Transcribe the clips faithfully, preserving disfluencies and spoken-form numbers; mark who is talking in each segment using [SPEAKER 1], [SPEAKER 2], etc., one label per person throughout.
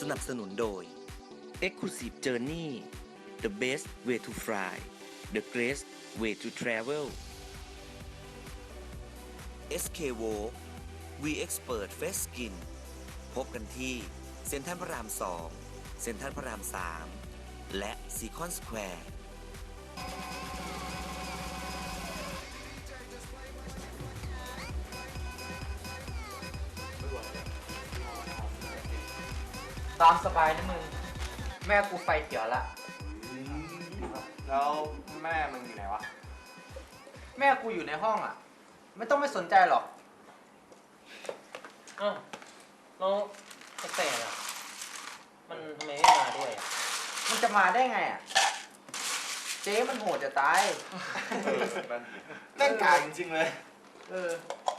[SPEAKER 1] นับสนุนโดย Exclusive Journey The best way to fly The greatest way to travel เอส เค Walk We Expert Face Skin พบกันที่เซ็นทรัลพระรามสองเซ็นทรัลพระรามสามและซีคอนสแควร์
[SPEAKER 2] ตามสบายนะมึงแม่กูไฟเขียวละ
[SPEAKER 3] แล้วแม่มึงอยู่ไหนวะ
[SPEAKER 2] แม่กูอยู่ในห้องอ่ะไม่ต้องไม่สนใจหรอก
[SPEAKER 4] อ้าวแล้วกระแตอ่ะมันทำไมไม่มาด้วยอ่ะ
[SPEAKER 2] มันจะมาได้ไงอ่ะเจ๊มันโหดจะตาย
[SPEAKER 3] เล่นกากจริงๆเลย
[SPEAKER 2] เออ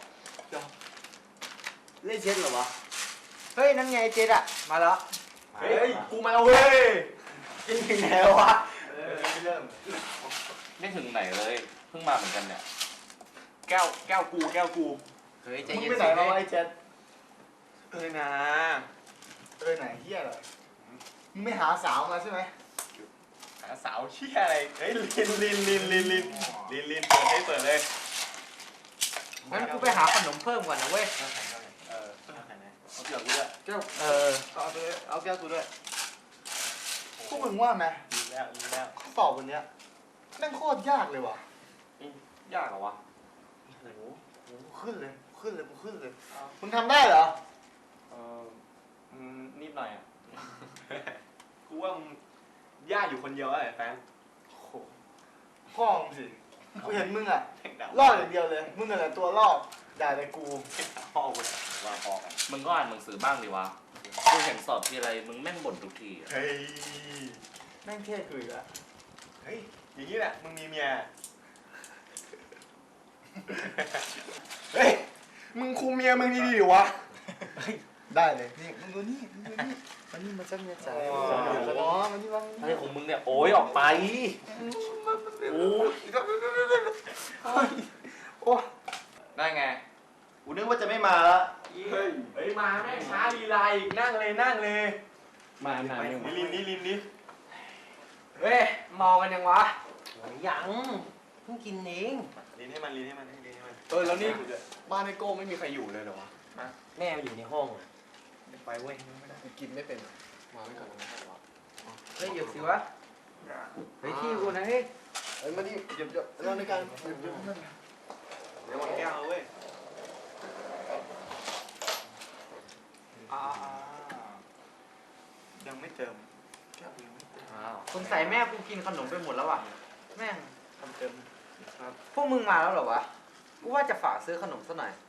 [SPEAKER 3] เล่นเช็ดเหรอวะ
[SPEAKER 2] เฮ้ยนั่นไงเจ๊อะมาแล้ว
[SPEAKER 3] เฮ้ยกูมาแล้วเว้ยกินถึงแล้ววะเออไม่เริ่ม
[SPEAKER 5] ไม่ถึงไหนเลยเพิ่งมาเหมือนกันเนี่ยแก้วแก้วกูแก้วกู
[SPEAKER 2] เฮ้ยใจ
[SPEAKER 3] มึง
[SPEAKER 2] เย็น
[SPEAKER 3] ไปไหนมาไอ้เจ็ด
[SPEAKER 5] เอ้ยนะ
[SPEAKER 3] เอ้ยไหนเฮียเหรอมึงไม่หาสาวมาใช่ไหม
[SPEAKER 5] หาสาวเชี่ยอะไรเฮ้ยลินลินลินลินลินลินลินเปิดให้เปิดเลย
[SPEAKER 2] งั้นกูไปหาขนมเพิ่มก่อนนะเว้ย
[SPEAKER 5] เออเอาเกี่ยวกูด้วย
[SPEAKER 3] แก้ว
[SPEAKER 2] เออ
[SPEAKER 3] เอาไปเอาแก้วกูด้วยพวกมึงว่าไหม
[SPEAKER 5] ดีแล้วดีแล้ว
[SPEAKER 3] ข้อสอบวันเนี้ยแม่งโคตรยากเลยว่ะ
[SPEAKER 5] ยากเหรอวะ
[SPEAKER 3] โอ้โหขึ้นเลยขึ้นเลยกูขึ้นเลยมึงทำได้เหรอ
[SPEAKER 5] เออนิดหน่อยอ่ะกูว่ามึงยากอยู่คนเดียวไอ้แฟน
[SPEAKER 3] โอ้โหพ่อมึงสิกูเห็นมึงอ่ะรอดอย่างเดียวเลยมึงอะไรตัวรอดด่าแต่กู
[SPEAKER 5] พ่อกูว่าพ่อกัน
[SPEAKER 4] มึงก็อ่านหนังสือบ้างดิวะกูเห็นสอบทีไรมึงแม่งบ่นทุกที
[SPEAKER 5] เฮ้ย
[SPEAKER 3] แม่งเท่คือละ
[SPEAKER 5] เฮ้ยอย่างนี้แหละมึงมีเมียเฮ้ยมึงคุมเมียมึงดีๆดิวะ
[SPEAKER 3] ได้เลยนี่มึงดูนี่มึงดูนี่มันนี่มาจังเนี่ยจ้าอ๋อมันนี่มัน
[SPEAKER 4] อะไรของมึงเนี่ยโอ้ยออกไป
[SPEAKER 5] โอ้ยโอ้ได้ไงกูนึกว่าจะไม่มาละเฮ้ยเฮ้ยมาแม่ช้าลีลาอีกนั่งเลยนั่งเลย
[SPEAKER 4] มาหนา
[SPEAKER 5] นี่ลินนี่ลินนี่
[SPEAKER 2] เฮ้ยมองกันยังวะ
[SPEAKER 4] ยังเพิ่งกินเอง
[SPEAKER 5] ลินให้มันลินให้มันลินให้มัน
[SPEAKER 3] เออแล้วนี่บ้านไอ้โก้ไม่มีใครอยู่เลยเหรอวะ
[SPEAKER 4] แม่อยู่ในห้อง
[SPEAKER 3] ไปเว้ยไม่ได้กินไม่เป็นมาไม่ก่อน
[SPEAKER 2] เฮ้ยหยุดสิวะเฮ้ยที่กูนะเฮ้ย
[SPEAKER 3] เฮ้ยมาดิหยุดหยุดเราในการหยุดหยุดนั่น
[SPEAKER 5] เดี๋ยววันแก้วเว้ยอ่ายังไม่เติมแก้วยังไม่เติม
[SPEAKER 2] อ้าวสงสัยแม่กูกินขนมไปหมดแล้วว่ะแม่ง
[SPEAKER 5] ทำเติม
[SPEAKER 2] ครับพวกมึงมาแล้วเหรอวะกูว่าจะฝากซื้อขนมซะหน่อย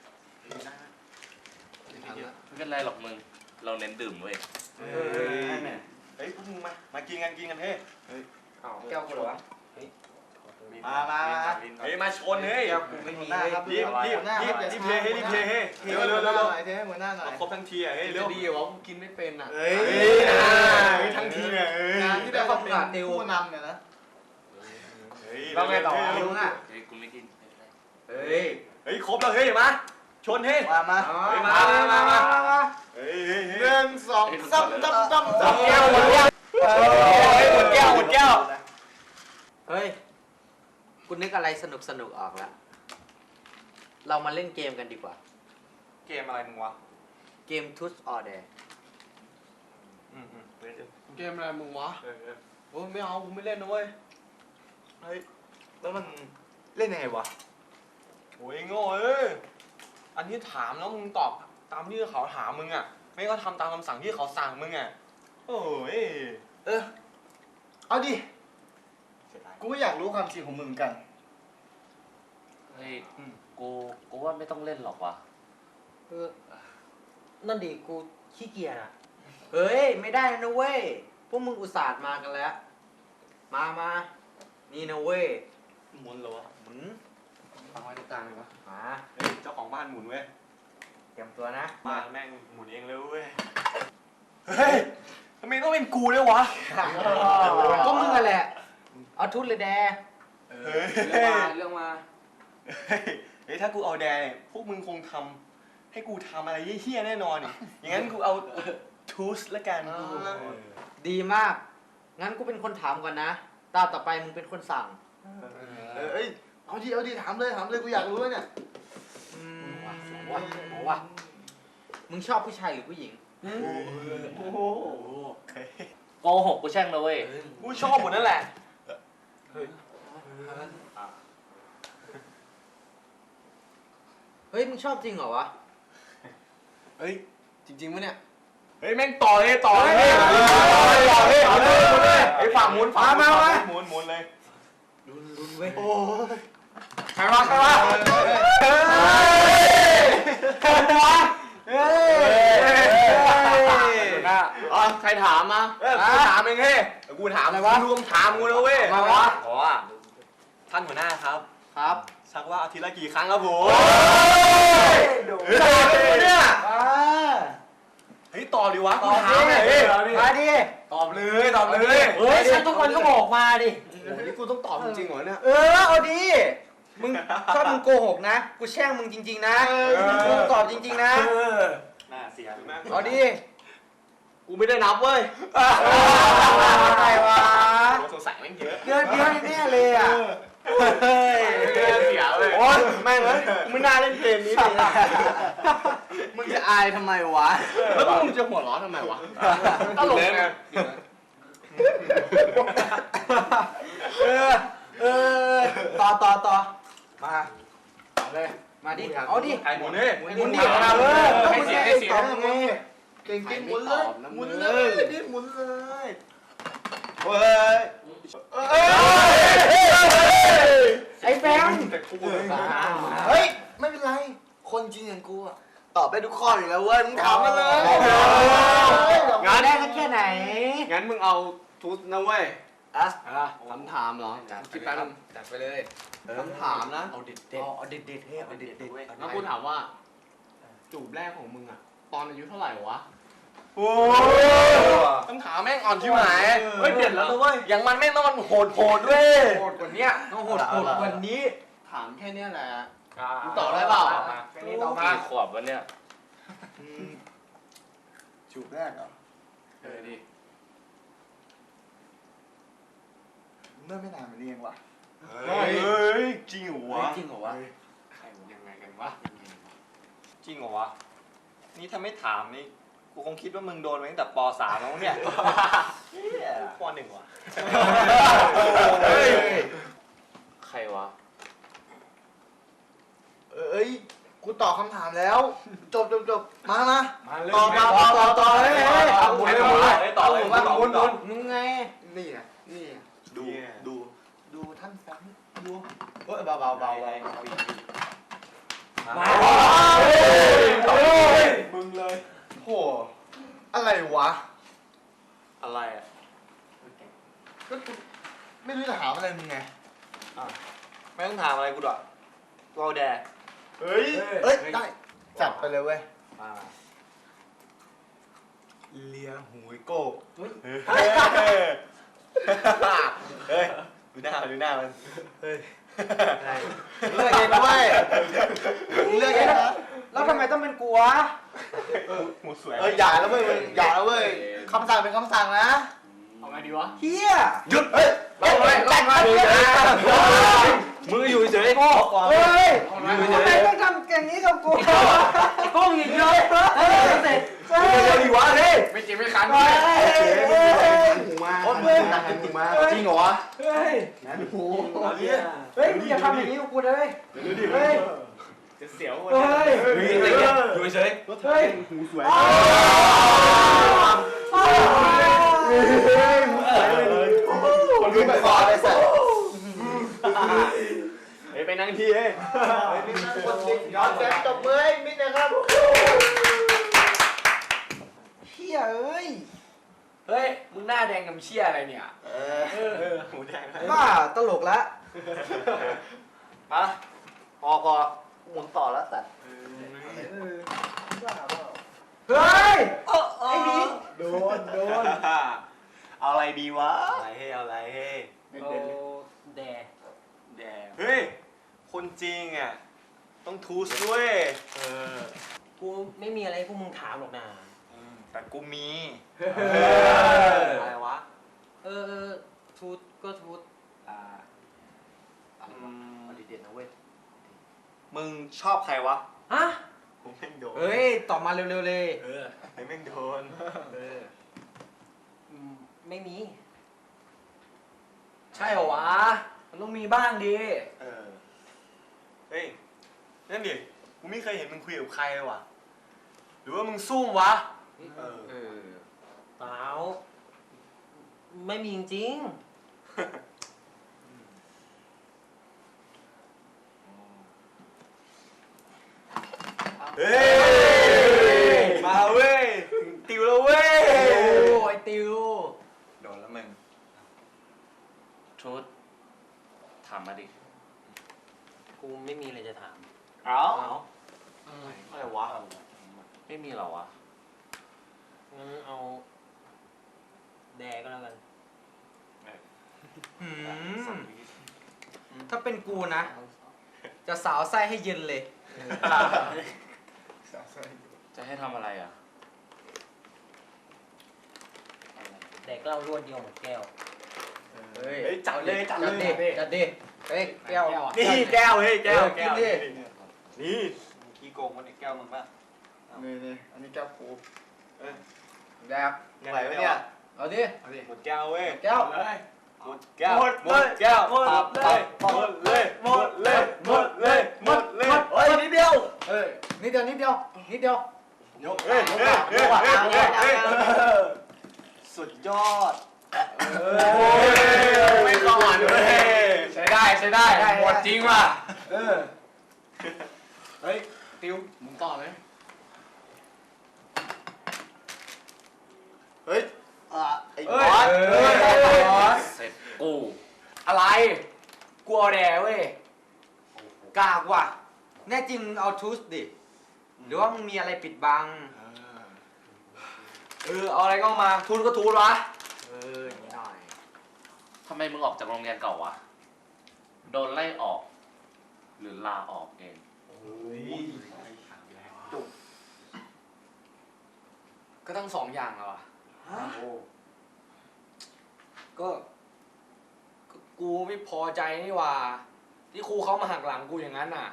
[SPEAKER 4] ไม่เป็นไรหรอกมึงเราเน้นดื่มเว้ย
[SPEAKER 5] เฮ้ยเฮ้ยพวกมึงมามากินกันกินกันเฮ้ย
[SPEAKER 2] เฮ้ยอ้าวแก้วกูเหรอวะ
[SPEAKER 5] มามาเฮ้ยมาชนเฮ้ย
[SPEAKER 2] แก้วกูไม่มีเลย
[SPEAKER 5] รีบรีบรีบรีบเทให้รีบเทให้เร็วเร็วเร็ว
[SPEAKER 3] เทให้หัวหน้าหน่อย
[SPEAKER 5] ครบทั้งทีอ่ะเฮ้ยเร็ว
[SPEAKER 3] ดีวะกูกินไม่เป็นอ่ะ
[SPEAKER 5] เฮ้ยทั้งทีเนี่ย
[SPEAKER 3] งานที่ได้ความเป็นผู้นำเนี่ยนะ
[SPEAKER 5] เราไงต่อ
[SPEAKER 2] ลุงอ่ะ
[SPEAKER 4] เฮ้ยกูไม่กิน
[SPEAKER 2] เฮ้ย
[SPEAKER 5] เฮ้ยครบแล้วเฮ้ยมาชนเฮ้ย
[SPEAKER 3] มามา
[SPEAKER 5] มามามามาเฮ้ยหนึ่งสองสามตั้มตั้มตั้มแก้วหมดแก้วหมดแก้วหมดแก้ว
[SPEAKER 2] เฮ้ยกูนึกอะไรสนุกสนุกออกแล้วเรามาเล่นเกมกันดีกว่า
[SPEAKER 5] เกมอะไรมึงวะ
[SPEAKER 2] เกม Truth or Dare
[SPEAKER 5] อืมอืม
[SPEAKER 3] เกมอะไรมึงวะโอ้ไม่เอากูไม่เล่นนะเว้ยเฮ้ยแล้วมันเล่นยังไงวะ
[SPEAKER 5] โอ้ยโง่เอ้ยอันที่ถามแล้วมึงตอบตามที่เขาถามมึงอ่ะไม่ก็ทำตามคำสั่งที่เขาสั่งมึงอ่ะโอ้ย
[SPEAKER 3] เออเอาดิกูก็อยากรู้ความจริงของมึงกัน
[SPEAKER 4] เฮ้ยกูกูว่าไม่ต้องเล่นหรอกวะ
[SPEAKER 2] เออนั่นดิกูขี้เกียจอ่ะเฮ้ยไม่ได้นะเว้ยพวกมึงอุตส่าห์มากันแล้วมามานี่นะเว้ย
[SPEAKER 5] หมุนเหรอวะ
[SPEAKER 2] หมุน
[SPEAKER 3] ฟังไว้ตรงกลางเลยวะ
[SPEAKER 2] มา
[SPEAKER 5] เฮ้ยเจ้าของบ้านหมุนเว้ย
[SPEAKER 2] เตรียมตัวนะ
[SPEAKER 5] มาแม่งหมุนเองเลยเว้ยเฮ้ยทำไมต้องเป็นกูด้วยวะ
[SPEAKER 2] ก็มึงอะแหละเอาทุนเลยแด
[SPEAKER 5] เฮ้ย
[SPEAKER 2] เรื่องมาเรื่องมา
[SPEAKER 5] เฮ้ยถ้ากูเอาแดพวกมึงคงทำให้กูทำอะไรเหี้ยๆแน่นอนอย่างงั้นกูเอาทูสละกัน
[SPEAKER 2] ดีมาก งั้นกูเป็นคนถามก่อนนะ ตาต่อไปมึงเป็นคนสั่ง
[SPEAKER 3] เออเอ้ยเอาดิเอาดิถามเลยถามเลยกูอยากรู้เลยเนี่ย
[SPEAKER 2] อืมวะวะมึงชอบผู้ชายหรือผู้หญิง
[SPEAKER 3] โอ้โห
[SPEAKER 4] โกหกกูแช่งเลยเว้ย
[SPEAKER 5] กูชอบหมดนั่นแหละ
[SPEAKER 2] เฮ้ย มึงชอบจริงเหรอวะ
[SPEAKER 3] เฮ้ยจริงๆปะเนี่ย
[SPEAKER 5] เฮ้ยแม่งต่อเลยต่อเลยต่อเลยต่อเลยหมุนเลยไอ้ฝั่งหมุนฝั่งหมุนหมุนหมุนเลย
[SPEAKER 2] ลุ้นลุ้นเว้ย
[SPEAKER 3] โอ้ย
[SPEAKER 5] ใครวะใครวะเฮ้ยใครวะเฮ้ยอ๋อใครถามมาเออกูถามเองเฮ้ยกูถามอะไรวะรวมถามกูนะเว้ย
[SPEAKER 2] มาวะ
[SPEAKER 5] อ๋อท่านหัวหน้าครับ
[SPEAKER 2] ครับ
[SPEAKER 5] ชักว่าอาทิตย์ละกี่ครั้งครับผม
[SPEAKER 2] ดู
[SPEAKER 5] ตอบเลยเนี่ย
[SPEAKER 2] อ่า
[SPEAKER 5] เฮ้ยตอบดิวะ
[SPEAKER 2] ตอบดิ
[SPEAKER 5] กูถามหน่อยเฮ้ย
[SPEAKER 2] มาดิ
[SPEAKER 5] ตอบเลยตอบเลย
[SPEAKER 4] เฮ้ยฉันทุกคนก็บอกมาดิ
[SPEAKER 3] โอ้โหนี่กูต้องตอบจริงๆเหรอเนี่ย
[SPEAKER 2] เออ เอาดิ มึงชอบมึงโกหกนะ กูแช่งมึงจริง ๆ นะมึงตอบจริง ๆ นะ
[SPEAKER 5] น่าเสีย
[SPEAKER 2] เอาดิ
[SPEAKER 5] กูไม่ได้นับเว้ย
[SPEAKER 2] อะไรวะ
[SPEAKER 5] สงสัยแม่งเยอะ
[SPEAKER 2] เดือนเดียวแน่ๆเลยอ่ะ
[SPEAKER 5] เฮ้ยเสียเลยโอ๊ยแม่งเลยกูไม่น่าเล่นเกมนี้เลย
[SPEAKER 3] มึงจะอายทำไมวะ
[SPEAKER 5] แล้วมึงจะหัวร้อนทำไมวะตลกไง
[SPEAKER 2] เออ เออ ต่อต่อต่อ
[SPEAKER 3] มา
[SPEAKER 2] เอาเลย มาดิ เอาดิ
[SPEAKER 5] ไอ้หมุนนี่
[SPEAKER 2] หมุนดิ
[SPEAKER 5] หมุนดิ
[SPEAKER 2] เออ
[SPEAKER 5] ให้เสียให้เสีย
[SPEAKER 2] ตอบยังไง
[SPEAKER 3] เก่งจริงหมุนเลยหมุนเลยดิหมุนเลยเฮ้ย
[SPEAKER 2] ไอ้แบงค์
[SPEAKER 3] เฮ้ยไม่เป็นไรคนจริงอย่างกูอะตอบได้ทุกข้ออยู่แล้วเว้ยมึงถามมาเลย
[SPEAKER 2] งานได้สักแค่ไหน
[SPEAKER 5] งั้นมึงเอาทูสนะเว้ย
[SPEAKER 3] อะคำถามเหรอ
[SPEAKER 5] คิดแป๊บนึง
[SPEAKER 2] จัดไปเลย
[SPEAKER 3] คำถามนะ
[SPEAKER 2] เอาเด็ดเด็ดเอาเด็ดเด็ดให้เอาเด็ดเด็ด
[SPEAKER 5] แล้วกูถามว่า จูบแรกของมึงอะตอนอายุเท่าไหร่วะ
[SPEAKER 3] โอ้
[SPEAKER 5] ต้องถามแม่งอ่อนที่ไหน
[SPEAKER 3] เฮ้ยเด็ดแล้วนะเว้ย
[SPEAKER 5] อย่างมันแม่งต้องมันโหดโหดด้วย
[SPEAKER 2] โหดกว่านี้ต้องโหดโหดกว่านี้
[SPEAKER 3] ถามแค่เนี้ยแหละ
[SPEAKER 5] มึงตอบได้เปล่า
[SPEAKER 2] แค่นี้ต่อมา
[SPEAKER 4] ขวบวันเนี้ย
[SPEAKER 3] จูบแรกเหรอ
[SPEAKER 5] เออดิ
[SPEAKER 3] เมื่อไม่นานมานี้เองวะ
[SPEAKER 5] เฮ้ยจริงเหรอวะ
[SPEAKER 2] จริงเหรอวะ
[SPEAKER 5] ใครยังไงกันวะจริงเหรอวะนี่ถ้าไม่ถามนี่กูคงคิดว่ามึงโดนมาตั้งแต่ป .สาม แล้วเนี่ยป .หนึ่ง วะ
[SPEAKER 4] ใครวะ
[SPEAKER 3] เอ้ยกูตอบคำถามแล้ว จบจบจบมามา
[SPEAKER 5] มาเลย
[SPEAKER 3] ต่อต่อต่อต่อต่อเลย
[SPEAKER 5] หมุนเลยหมุนเลยต่อเลยต่อหมุนหมุน
[SPEAKER 2] มึงไง
[SPEAKER 3] นี่ไงนี่ไงดูดูดูท่านแฟงดูเฮ้ยเบาเบาเบาเบา
[SPEAKER 2] มา
[SPEAKER 3] มึงเลยโหอะไรวะ
[SPEAKER 5] อะไรอ่ะ
[SPEAKER 3] ก็กูไม่รู้จะถามอะไรมึงไง
[SPEAKER 5] ไม่ต้องถามอะไรกูด้วยกูเอาแดก
[SPEAKER 3] เฮ้ยเอ้ยได้จัดไปเลยเว้ยเลียหูยโก้
[SPEAKER 5] เฮ้ยดูหน้าดูหน้ามัน
[SPEAKER 3] เฮ้ยเลือกเองนะเว้ยเลือกเองนะ
[SPEAKER 2] แล้วทำไมต้องเป็นกูวะ
[SPEAKER 5] หมูสวย
[SPEAKER 3] เอออย่าแล้วเว้ยอย่าแล้วเว้ยคำสั่งเป็นคำสั่งนะ
[SPEAKER 5] เอาไงดีวะ
[SPEAKER 2] เฮีย
[SPEAKER 3] หยุดเฮ้ย
[SPEAKER 2] ไปไปไปไป
[SPEAKER 5] มืออยู่เฉยพ่อ
[SPEAKER 2] เฮ้ยทำไมต้องทำอย่างนี้กับกูโกงอีกเลยเฮ้ยเสร็จเฮ้ย
[SPEAKER 5] ดีวะเฮ้ยไม่จริงไม่คัน
[SPEAKER 2] เฮ้ยเฮ้ย
[SPEAKER 3] หูมา
[SPEAKER 2] โอ๊ยเฮ้ย
[SPEAKER 3] หูมา
[SPEAKER 5] จริงเหรอวะ
[SPEAKER 2] เฮ้ย
[SPEAKER 3] งั้นหู
[SPEAKER 2] เฮ้ยมึงอย่าทำอย่างนี้กับกูเลยเฮ้ย
[SPEAKER 5] จะเสียว
[SPEAKER 2] เฮ้ย
[SPEAKER 5] อยู่เฉย
[SPEAKER 2] เฮ้ย
[SPEAKER 3] หูสวย คนรู้ไปก่อนเลยสัตว์
[SPEAKER 5] เฮ้ยไปนั่งที่เฮ้ย
[SPEAKER 3] คนจริงย้อนแสงจบมือให้มิดนะครับ
[SPEAKER 2] เฮียเอ้ย
[SPEAKER 5] เฮ้ยมึงหน้าแดงกับเชี่ยอะไรเนี่ยเออหมูแดง
[SPEAKER 2] บ้าตลกละ
[SPEAKER 5] มาพอพอ
[SPEAKER 3] หมุนต่อแล้วสัตว์
[SPEAKER 2] เฮ้ยไอ้บิ๊ก
[SPEAKER 3] โดนโดน
[SPEAKER 5] เอาอะไรดีวะอะไรเฮ้เอาอะไรเฮ้
[SPEAKER 2] โอ้แด
[SPEAKER 5] แดงเฮ้ยคนจริงอ่ะต้องทูสด้วยเออ
[SPEAKER 4] กูไม่มีอะไรพวกมึงถามหรอกนะ
[SPEAKER 5] ทแต่กูมี
[SPEAKER 2] อะไรวะ
[SPEAKER 4] เออเออทูตก็ทูต
[SPEAKER 2] อ่าอะไรวะเอาดีเด่นนะเว้ย
[SPEAKER 5] มึงชอบใครวะ
[SPEAKER 4] ฮะ
[SPEAKER 5] กูแม่งโดน
[SPEAKER 2] เฮ้ย ตอบมาเร็วๆเลย
[SPEAKER 5] เออไอ้แม่งโดน
[SPEAKER 2] เออ
[SPEAKER 4] อืมไม่มี
[SPEAKER 3] ใช่เหรอวะ มันต้องมีบ้างดิ
[SPEAKER 5] เออ เฮ้ย นั่นดิ กูไม่เคยเห็นมึงคุยกับใครเลยว่ะ หรือว่ามึงซุ่มวะ เออ
[SPEAKER 2] เออ
[SPEAKER 4] เปล่าไม่มีจริง
[SPEAKER 5] เฮ้ย มาเว้ย ติวแล้วเว้ย
[SPEAKER 2] โอ้ไอติว
[SPEAKER 5] โดนแล้วมึง
[SPEAKER 6] ชุดถามมาดิ
[SPEAKER 4] ๆกูไม่มีอะไรจะถาม
[SPEAKER 5] เอ้า
[SPEAKER 3] อะไรวะ
[SPEAKER 6] ไม่มีเหรอวะ
[SPEAKER 4] งั้นเอาแดก็แล้วกัน
[SPEAKER 2] หืม ถ้าเป็นกูนะ จะสาวไส้ให้เย็นเลย
[SPEAKER 6] จะให้ทำอะไรอ่ะ
[SPEAKER 4] แดกเหล้ารวดเดียวหมดแก้ว
[SPEAKER 2] เฮ้ย
[SPEAKER 5] เฮ้ยจัดเลยจัดเลย
[SPEAKER 2] จัดดิจัดดิเฮ้ยแก้ว
[SPEAKER 5] นี่แก้วเฮ้ยแก้ว
[SPEAKER 2] เออกินดิ
[SPEAKER 5] นี่กี่โกงมันไอ้แก้วมึงปะ
[SPEAKER 3] นี่นี่อันนี้แก้วกู
[SPEAKER 2] แดก
[SPEAKER 5] ไหวปะเนี่ย
[SPEAKER 2] เอาดิ
[SPEAKER 5] หมดแก้วเว้ย
[SPEAKER 2] แก้ว
[SPEAKER 5] หมดแก้ว หมดแก้ว หมดเลยหมดเลย หมดเลย หมดเลย หมดเลยเฮ้ยนิดเดียว
[SPEAKER 2] เอ้ยนิดเดียวนิดเดียวนิดเดียว
[SPEAKER 5] ยกเฮ้ยเฮ้ยเฮ้ยเฮ้ยเฮ้ยสุดยอดโอ้ยไม่ก่อนเลยใช้ได้ใช้ได้หมดจริงว่ะ
[SPEAKER 3] เออ เฮ้ย ติวมึงต่อเลย
[SPEAKER 5] เฮ้ยอ่ะไอ้บ
[SPEAKER 3] เฮ้
[SPEAKER 5] อย ส
[SPEAKER 3] เฮ้ยบอส
[SPEAKER 6] เสร็จกู
[SPEAKER 3] อะไร กูเอาแดเว้ย
[SPEAKER 2] กากว่ะ แน่จริงมึงเอาทูสดิ หรือว่ามึงมีอะไรปิดบัง
[SPEAKER 3] เออ เอาอะไรก็เอามา ทุนก็ทุนวะ
[SPEAKER 2] เออนิดหน่อย
[SPEAKER 6] ทำไมมึงออกจากโรงเรียนเก่าวะ โดนไล่ออก หรือลาออกเอง
[SPEAKER 3] ก็ทั้งสองอย่างอะวะก็ก็ กูไม่พอใจนี่หว่า ที่ครูเขามาหักหลังกูอย่างนั้นน่ะ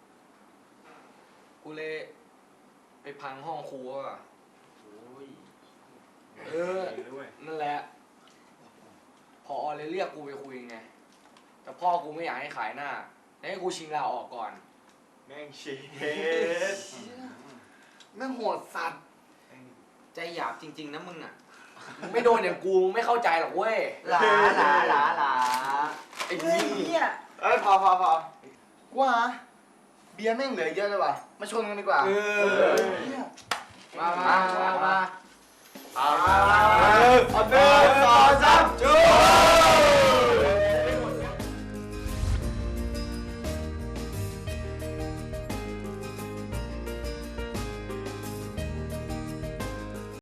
[SPEAKER 3] กูเลยไปพังห้องครูอ่ะเออ นั่นแหละ พอเลยเรียกกูไปคุยไง แต่พ่อกูไม่อยากให้ขายหน้าแล้วให้กูชิงลาออกก่อน
[SPEAKER 5] แม่งเชียด
[SPEAKER 3] แม่งโหดสัตว์
[SPEAKER 2] ใจหยาบจริง ๆ นะมึงอ่ะ
[SPEAKER 3] มึงไม่โดนอย่างกูมึงไม่เข้าใจหรอกเว้ย
[SPEAKER 2] หลาหลาหลาหลา
[SPEAKER 3] ไอ้นี่
[SPEAKER 5] เอ้ยพอพอพอ
[SPEAKER 3] กูว่าเบียร์แม่งเหลือเยอะเลยว่ะ มาชนกันดีกว่า
[SPEAKER 2] เออ มามามามา
[SPEAKER 5] เอาหนึ่งสองสามจุ๊